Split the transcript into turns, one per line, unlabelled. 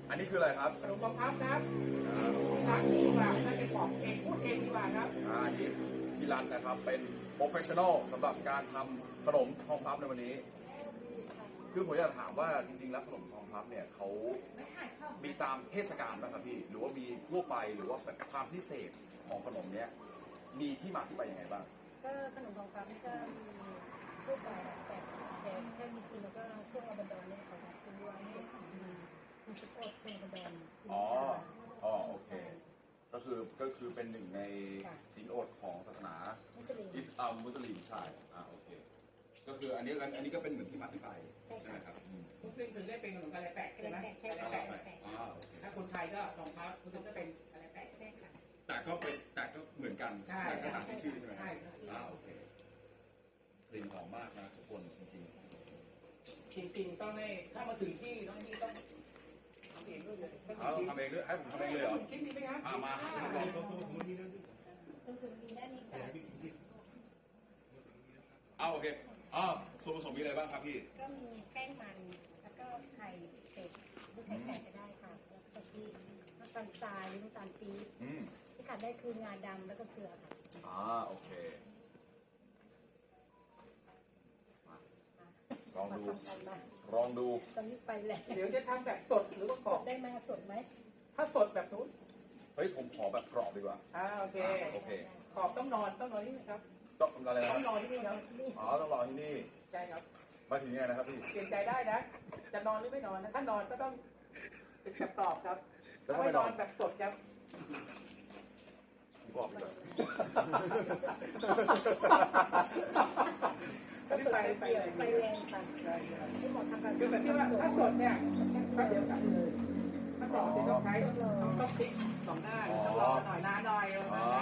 อันนี้คืออะไรครับ
ขนมปังพับครับร้านนี้ดีกว่าน่าจะบอกเองพูดเองดีกว่าครับ
อันนี้พี่รันนะครับเป็นโปรเฟชชั่นอลสำหรับการทำขนมทองพับในวันนี้ คือผมอยากถามว่าจริงๆแล้วขนมทองพับเนี่ยเขามีตามเทศกาลไหมครับพี่หรือว่ามีทั่วไปหรือว่าแบบความพิเศษของขนมเนี้ยมีที่มาที่ไปยังไงบ้าง
ก็ขนมทองคำนี่ก็มีทั่วไปแต่แค่มีกินแล้วก็ช่วงอบันดอนเนี่ยเขาจะซื้อไว้มีสปอร์ตช่วงอบันดอน
อ๋อโอเคก็คือเป็นหนึ่งในศีลอดของศาสนา
มุสลิม
มุสลิมใช่โอเคก็คืออันนี้ก็เป็นเหมือนที่มาที่ไปใช่ไหมครับ
มุสลิมถึงได้เป็นขนมกะไรแปะใช่ไหม
ใช่
กะไรแปะถ้าคนไทยก็ทองพับคุณก็เป็นกะไรแปะ
ใช่ค่ะ
แต่ก็เหมือนกันแต่ก็ต่างที่ชื่อใช่ไหม
ใช่
โอเคกลิ่นหอมมากนะทุกคนจริง
ต้องให้ถ้ามาถึงที่ต้องทำเองด้วยเลย
ทำเองด้วยให้ผมทำเองเลยเหรอ
ชิ้นนี้ไหมครับ
มาลองตัวนี้นะ
ส่วนมีด้านนี้ค่ะ
โอเคส่วนผสมมีอะไรบ้างครับพี่
ก็มีแป้งมันแล้วก็ไข่เป็ดหรือไข่ไก่ก็ได้ค่ะแล้วก็ที่น้ำตาลทรายหรือน้ำตาลปี๊บที่ขาดได้คืองาดำแล้วก็เกลือค่ะ
โอเคลองดู
ตอนนี้ไปแล้ว
เดี๋ยวจะทำแบบสดหรือว่ากรอบ
ได้ไหมสดไหม
ถ้าสดแบบนู้น
เฮ้ยผมขอแบบกรอบดีกว่า
โอเคกรอบต้องนอนที่นี่ครับ
ต้องอะไรนะ
ต้องนอนที่นี่ครับ
ต้องรอที่นี่
ใช่ครับ
มาถึงยังไงนะครับพี่
เปลี่ยนใจได้นะจะนอนหรือไม่นอนนะถ้านอนก็ต้องเป็นแบบกรอบครับ
แล้ว
ไม่นอนแบบสดครับ
กรอบดีกว่า
ไปแรงค่ะที่หมอทำการ
คือแบบที่ว่าถ้าสดเนี่ยก็เดี๋ยวกลับเลยถ้ากรอบเดี๋ยวต้องใช้ต้องพลิก2 หน้าต้องรอหน่อยนานหน่อย